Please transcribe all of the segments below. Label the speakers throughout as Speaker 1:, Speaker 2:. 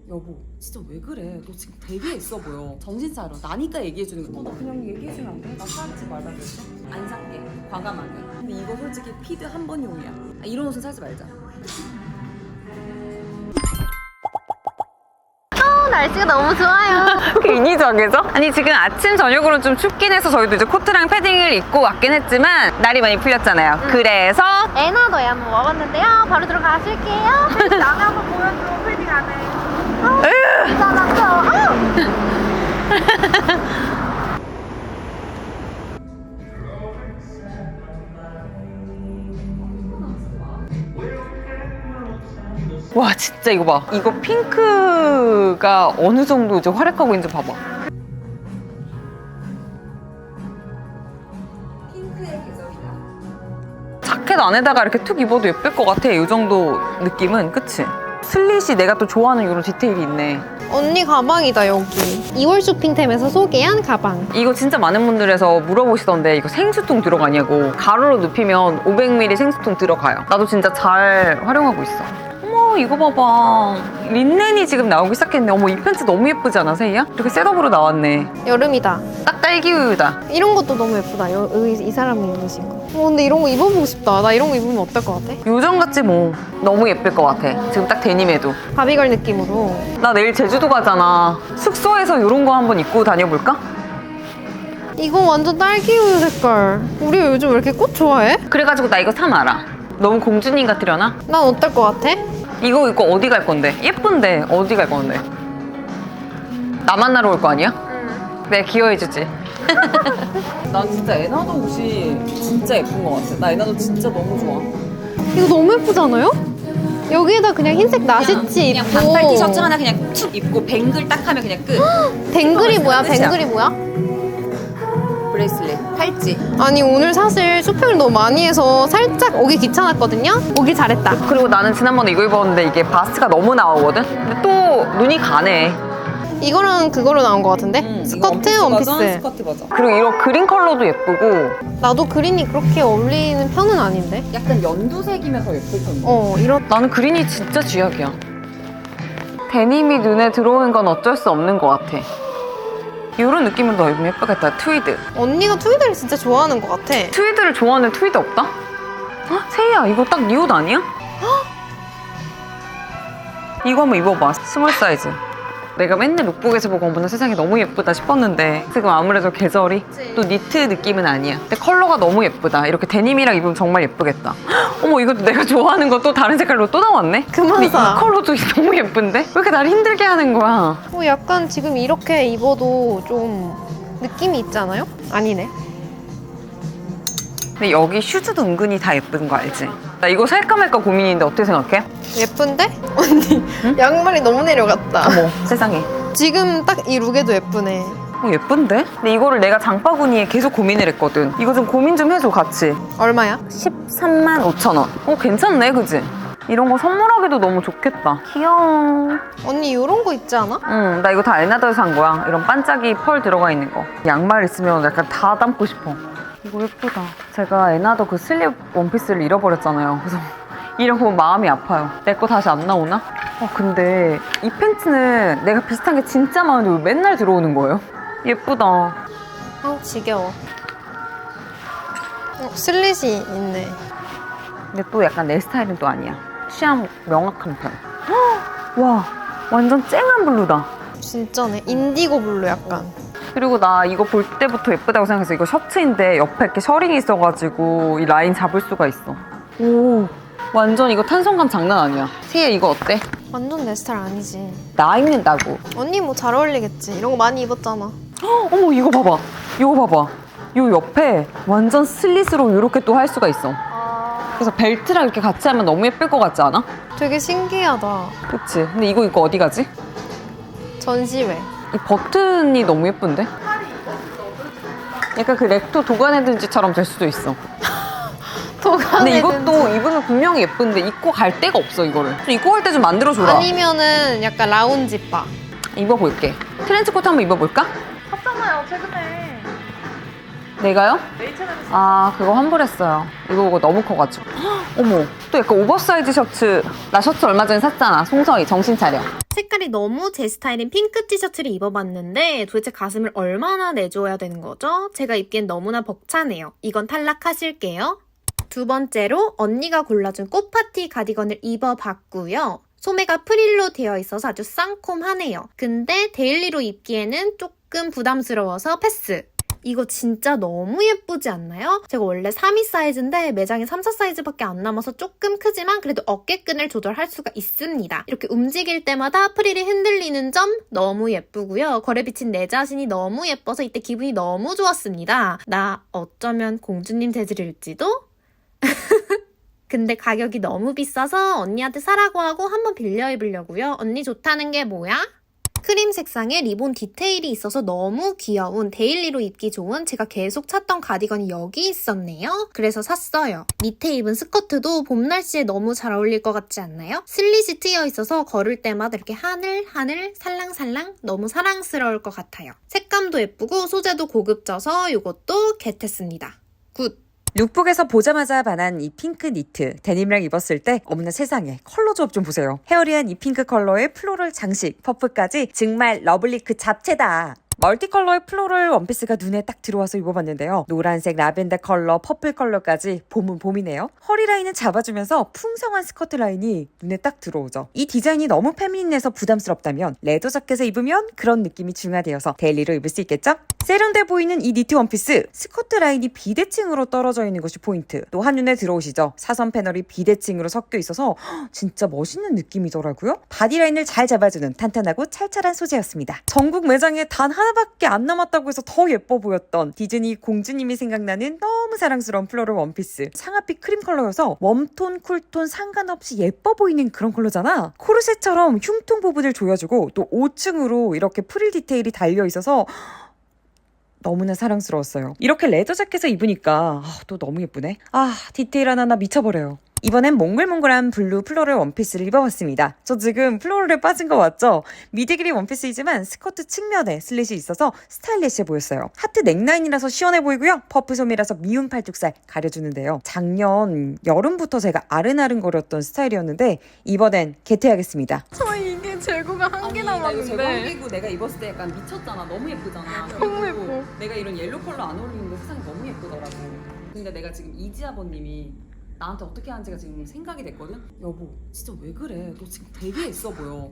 Speaker 1: 여보 진짜 왜 그래? 너 지금 되게 있어 보여. 정신 차려. 나니까 얘기해주는 거. 너 그냥 얘기해주면 안 돼? 나 사지 말라 그랬어? 안 살게. 과감하게. 근데 이거 솔직히 피드 한 번용이야. 이런 옷은 사지 말자.
Speaker 2: 날씨가 너무 좋아요.
Speaker 3: 괜히 저기죠? 아니 지금 아침 저녁으로는 좀 춥긴 해서 저희도 이제 코트랑 패딩을 입고 왔긴 했지만 날이 많이 풀렸잖아요. 그래서
Speaker 2: 에나더에 한번 와봤는데요. 바로 들어가실게요. 패딩 안에 한번 보여줘. 패딩 안에. 이상하죠?
Speaker 3: 와 진짜 이거 봐. 이거 핑크가 어느 정도 이제 활약하고 있는지 봐봐.
Speaker 1: 핑크의 계절이다.
Speaker 3: 자켓 안에다가 이렇게 툭 입어도 예쁠 것 같아. 이 정도 느낌은. 그치? 슬릿이 내가 또 좋아하는 이런 디테일이 있네.
Speaker 2: 언니 가방이다 여기. 2월 쇼핑템에서 소개한 가방.
Speaker 3: 이거 진짜 많은 분들에서 물어보시던데 이거 생수통 들어가냐고. 가로로 눕히면 500ml 생수통 들어가요. 나도 진짜 잘 활용하고 있어. 어머 이거 봐봐. 린넨이 지금 나오기 시작했네. 어머 이 팬츠 너무 예쁘지 않아 세이야? 이렇게 셋업으로 나왔네.
Speaker 2: 여름이다.
Speaker 3: 딱 딸기 우유다.
Speaker 2: 이런 것도 너무 예쁘다. 이 사람이 입으신 거. 근데 이런 거 입어보고 싶다. 나 이런 거 입으면 어떨 것 같아?
Speaker 3: 요정 같지 뭐. 너무 예쁠 것 같아. 지금 딱 데님에도.
Speaker 2: 바비걸 느낌으로.
Speaker 3: 나 내일 제주도 가잖아. 숙소에서 이런 거 한번 입고 다녀볼까?
Speaker 2: 이거 완전 딸기 우유 색깔. 우리 요즘 왜 이렇게 꽃 좋아해?
Speaker 3: 그래가지고 나 이거 사 말아. 너무 공주님 같으려나?
Speaker 2: 난 어떨 것 같아?
Speaker 3: 이거 입고 어디 갈 건데? 예쁜데 어디 갈 건데? 나 만나러 올 거 아니야?
Speaker 2: 응.
Speaker 3: 내가 기여해주지. 난 진짜 에나더 옷이 진짜 예쁜 것 같아. 나 에나더 진짜 너무 좋아.
Speaker 2: 이거 너무 예쁘잖아요? 여기에다 그냥 흰색 나시티
Speaker 1: 그냥
Speaker 2: 입고
Speaker 1: 반팔 티셔츠 하나 그냥 툭 입고 뱅글 딱 하면 그냥 끝.
Speaker 2: 뱅글이 뭐야?
Speaker 1: 끝이야.
Speaker 2: 뱅글이 뭐야?
Speaker 1: 브레이슬릿, 팔찌.
Speaker 2: 아니 오늘 사실 쇼핑을 너무 많이 해서 살짝 오기 귀찮았거든요? 오길 잘했다.
Speaker 3: 그리고 나는 지난번에 이거 입었는데 이게 바스트가 너무 나오거든? 근데 또 눈이 가네.
Speaker 2: 이거랑 그거로 나온 것 같은데? 스커트, 원피스.
Speaker 1: 스커트 버전.
Speaker 3: 그리고 이런 그린 컬러도 예쁘고.
Speaker 2: 나도 그린이 그렇게 어울리는 편은 아닌데?
Speaker 1: 약간 연두색이면 더 예쁠 텐데.
Speaker 2: 이런
Speaker 3: 나는 그린이 진짜 쥐약이야. 데님이 눈에 들어오는 건 어쩔 수 없는 것 같아. 이런 느낌으로 너 입으면 예쁘겠다. 트위드.
Speaker 2: 언니가 트위드를 진짜 좋아하는 것 같아.
Speaker 3: 트위드를 좋아하는 트위드 없다? 헉, 세희야 이거 딱 네 옷 아니야? 이거 한번 입어봐. 스몰 사이즈. 내가 맨날 룩북에서 보고 어머나 세상에 너무 예쁘다 싶었는데 지금 아무래도 계절이 또 니트 느낌은 아니야. 근데 컬러가 너무 예쁘다. 이렇게 데님이랑 입으면 정말 예쁘겠다. 헉, 어머 이것도 내가 좋아하는 거 또 다른 색깔로 또 나왔네?
Speaker 2: 그만
Speaker 3: 근데
Speaker 2: 사.
Speaker 3: 이 컬러도 너무 예쁜데? 왜 이렇게 날 힘들게 하는 거야?
Speaker 2: 약간 지금 이렇게 입어도 좀 느낌이 있잖아요? 아니네.
Speaker 3: 근데 여기 슈즈도 은근히 다 예쁜 거 알지? 나 이거 살까 말까 고민인데 어떻게 생각해?
Speaker 2: 예쁜데? 언니 양말이 너무 내려갔다.
Speaker 3: 어머 세상에.
Speaker 2: 지금 딱 이 룩에도 예쁘네.
Speaker 3: 예쁜데? 근데 이거를 내가 장바구니에 계속 고민을 했거든. 이거 좀 고민 좀 해줘 같이.
Speaker 2: 얼마야?
Speaker 3: 13만 5천 원. 괜찮네 그지? 이런 거 선물하기도 너무 좋겠다. 귀여워.
Speaker 2: 언니 이런 거 있지 않아?
Speaker 3: 응, 나 이거 다 에나더에서 산 거야. 이런 반짝이 펄 들어가 있는 거. 양말 있으면 약간 다 담고 싶어. 이거 예쁘다. 제가 에나더 그 슬립 원피스를 잃어버렸잖아요. 그래서 이런 거 보면 마음이 아파요. 내 거 다시 안 나오나? 근데 이 팬츠는 내가 비슷한 게 진짜 많은데 왜 맨날 들어오는 거예요? 예쁘다.
Speaker 2: 지겨워. 슬릿이 있네.
Speaker 3: 근데 또 약간 내 스타일은 또 아니야. 취향 명확한 편. 헉! 와, 완전 쨍한 블루다.
Speaker 2: 진짜네. 인디고 블루 약간.
Speaker 3: 그리고 나 이거 볼 때부터 예쁘다고 생각해서 이거 셔츠인데 옆에 이렇게 셔링이 있어가지고 이 라인 잡을 수가 있어. 오, 완전 이거 탄성감 장난 아니야. 세희야 이거 어때?
Speaker 2: 완전 내 스타일 아니지.
Speaker 3: 나 입는다고.
Speaker 2: 언니 뭐 잘 어울리겠지. 이런 거 많이 입었잖아.
Speaker 3: 헉, 어머 이거 봐봐. 이거 봐봐. 요 옆에 완전 슬릿으로 이렇게 또 할 수가 있어. 그래서 벨트랑 이렇게 같이 하면 너무 예쁠 것 같지 않아?
Speaker 2: 되게 신기하다.
Speaker 3: 그치? 근데 이거 입고 어디 가지?
Speaker 2: 전시회.
Speaker 3: 이 버튼이 너무 예쁜데? 약간 그 렉토 도가네든지처럼 될 수도 있어. 근데 이것도 입으면 분명히 예쁜데 입고 갈 데가 없어 이거를. 좀 입고 갈 때 좀 만들어줘라.
Speaker 2: 아니면은 약간 라운지 바.
Speaker 3: 입어볼게. 트렌치코트 한번 입어볼까?
Speaker 2: 샀잖아요 최근에.
Speaker 3: 내가요? 아, 그거 환불했어요. 이거 보고 너무 커가지고. 헉, 어머, 또 약간 오버사이즈 셔츠. 나 셔츠 얼마 전에 샀잖아. 송서희, 정신 차려.
Speaker 2: 색깔이 너무 제 스타일인 핑크 티셔츠를 입어봤는데 도대체 가슴을 얼마나 내줘야 되는 거죠? 제가 입기엔 너무나 벅차네요. 이건 탈락하실게요. 두 번째로 언니가 골라준 꽃파티 가디건을 입어봤고요. 소매가 프릴로 되어 있어서 아주 쌍콤하네요. 근데 데일리로 입기에는 조금 부담스러워서 패스. 이거 진짜 너무 예쁘지 않나요? 제가 원래 3, 2 사이즈인데 매장에 3, 4 사이즈밖에 안 남아서 조금 크지만 그래도 어깨끈을 조절할 수가 있습니다. 이렇게 움직일 때마다 프릴이 흔들리는 점 너무 예쁘고요. 거래 비친 내 자신이 너무 예뻐서 이때 기분이 너무 좋았습니다. 나 어쩌면 공주님 재질일지도? 근데 가격이 너무 비싸서 언니한테 사라고 하고 한번 빌려 입으려고요. 언니 좋다는 게 뭐야? 크림 색상에 리본 디테일이 있어서 너무 귀여운 데일리로 입기 좋은 제가 계속 찾던 가디건이 여기 있었네요. 그래서 샀어요. 밑에 입은 스커트도 봄 날씨에 너무 잘 어울릴 것 같지 않나요? 슬릿이 트여 있어서 걸을 때마다 이렇게 하늘 살랑살랑 너무 사랑스러울 것 같아요. 색감도 예쁘고 소재도 고급져서 이것도 겟했습니다. 굿!
Speaker 3: 룩북에서 보자마자 반한 이 핑크 니트 데님이랑 입었을 때 어머나 세상에 컬러 조합 좀 보세요. 헤어리한 이 핑크 컬러의 플로럴 장식 퍼프까지 정말 러블리 그 잡채다. 멀티컬러의 플로럴 원피스가 눈에 딱 들어와서 입어봤는데요. 노란색, 라벤더 컬러, 퍼플 컬러까지 봄은 봄이네요. 허리 라인은 잡아주면서 풍성한 스커트 라인이 눈에 딱 들어오죠. 이 디자인이 너무 페미닌해서 부담스럽다면 레더 자켓에 입으면 그런 느낌이 중화되어서 데일리로 입을 수 있겠죠? 세련돼 보이는 이 니트 원피스, 스커트 라인이 비대칭으로 떨어져 있는 것이 포인트. 또 한눈에 들어오시죠? 사선 패널이 비대칭으로 섞여 있어서 진짜 멋있는 느낌이더라고요. 바디 라인을 잘 잡아주는 탄탄하고 찰찰한 소재였습니다. 전국 매장에 단 하나밖에 안 남았다고 해서 더 예뻐 보였던 디즈니 공주님이 생각나는 너무 사랑스러운 플로럴 원피스. 상하빛 크림 컬러여서 웜톤, 쿨톤 상관없이 예뻐 보이는 그런 컬러잖아. 코르셋처럼 흉통 부분을 조여주고 또 5층으로 이렇게 프릴 디테일이 달려있어서 너무나 사랑스러웠어요. 이렇게 레더 자켓을 입으니까 또 너무 예쁘네. 디테일 하나하나 미쳐버려요. 이번엔 몽글몽글한 블루 플로럴 원피스를 입어봤습니다. 저 지금 플로럴에 빠진 거 맞죠? 미드 길이 원피스이지만 스커트 측면에 슬릿이 있어서 스타일리시해 보였어요. 하트 넥라인이라서 시원해 보이고요. 퍼프 소매라서 미운 팔뚝살 가려주는데요. 작년 여름부터 제가 아른아른거렸던 스타일이었는데 이번엔 개퇴하겠습니다.
Speaker 2: 이게 재고가 한 개
Speaker 1: 이거
Speaker 2: 남았는데
Speaker 1: 제광기고 내가 입었을 때 약간 미쳤잖아. 너무 예쁘잖아.
Speaker 2: 너무
Speaker 1: 그리고
Speaker 2: 예뻐.
Speaker 1: 내가 이런 옐로 컬러 안 어울리는데 세상에 너무 예쁘더라고. 근데 내가 지금 이지 아버님이 나한테 어떻게 하는지가 지금 생각이 됐거든? 여보, 진짜 왜 그래? 너 지금 되게 있어 보여.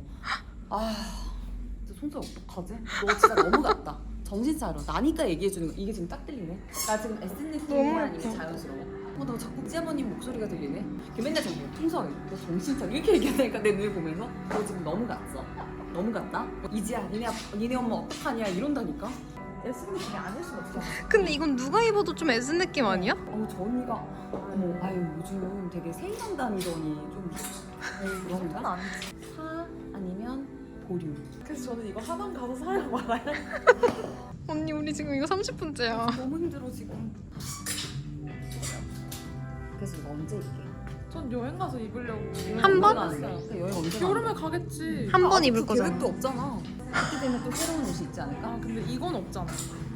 Speaker 1: 진짜 송서 어떡하지? 너 진짜 너무 같다. 정신 차려. 나니까 얘기해주는 거. 이게 지금 딱 들리네. 나 지금 SNS만 아니면 자연스러워. 나 자꾸 이지 아버님 목소리가 들리네. 걔 맨날 저기 송서희, 너 정신 차려. 이렇게 얘기하니까 내 눈을 보면서 너 지금 너무 같어. 너무 같다? 이지야, 니네 엄마 어떡하냐 이런다니까? SNS가 아닐 순 없어.
Speaker 2: 근데 이건 누가 입어도 좀 애쓴 느낌 아니야?
Speaker 1: 저 언니가 요즘 되게 세이장 다니더니 좀 그런가? 사 아니면 보류.
Speaker 4: 그래서 저는 이거 하남 가서 사려고 말아요.
Speaker 2: 언니 우리 지금 이거 30분째야.
Speaker 1: 너무 힘들어 지금. 그래서 이거 언제 입게?
Speaker 4: 전 여행 가서 입으려고.
Speaker 2: 한 번?
Speaker 1: 여행 언제 가는
Speaker 4: 여름에
Speaker 1: 거야?
Speaker 4: 가겠지.
Speaker 2: 한 번 입을 거잖아.
Speaker 1: 계획도 없잖아. 그렇게 되면 또 새로운 옷이 있지 않을까?
Speaker 4: 근데 이건 없잖아.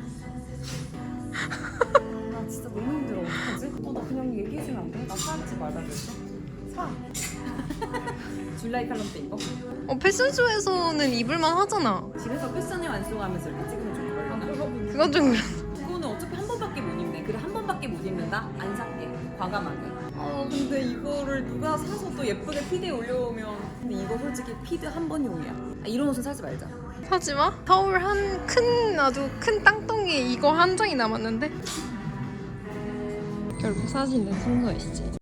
Speaker 1: 나 진짜 너무 힘들어. 어떡하지? 나 그냥 얘기해주면 안 돼? 나 사지 말라 그랬어? 사. 줄라이 칼럼 때 이거?
Speaker 2: 패션쇼에서는 입을만 하잖아.
Speaker 1: 집에서 패션을 완성하면서 이렇게 찍으면 좀 그럴려나?
Speaker 2: 그건 좀 그래.
Speaker 1: 그거는 어차피 한 번밖에 못 입네. 그래 한 번밖에 못 입는다? 안 살게. 과감하게. 근데 이거를 누가 사서 또 예쁘게 피드에 올려오면 근데 이거 솔직히 피드 한 번용이야. 이런 옷은 사지 말자.
Speaker 2: 사지 마. 서울 아주 큰 땅덩이에 이거 한 장이 남았는데. 결국 사진은 송서희 씨.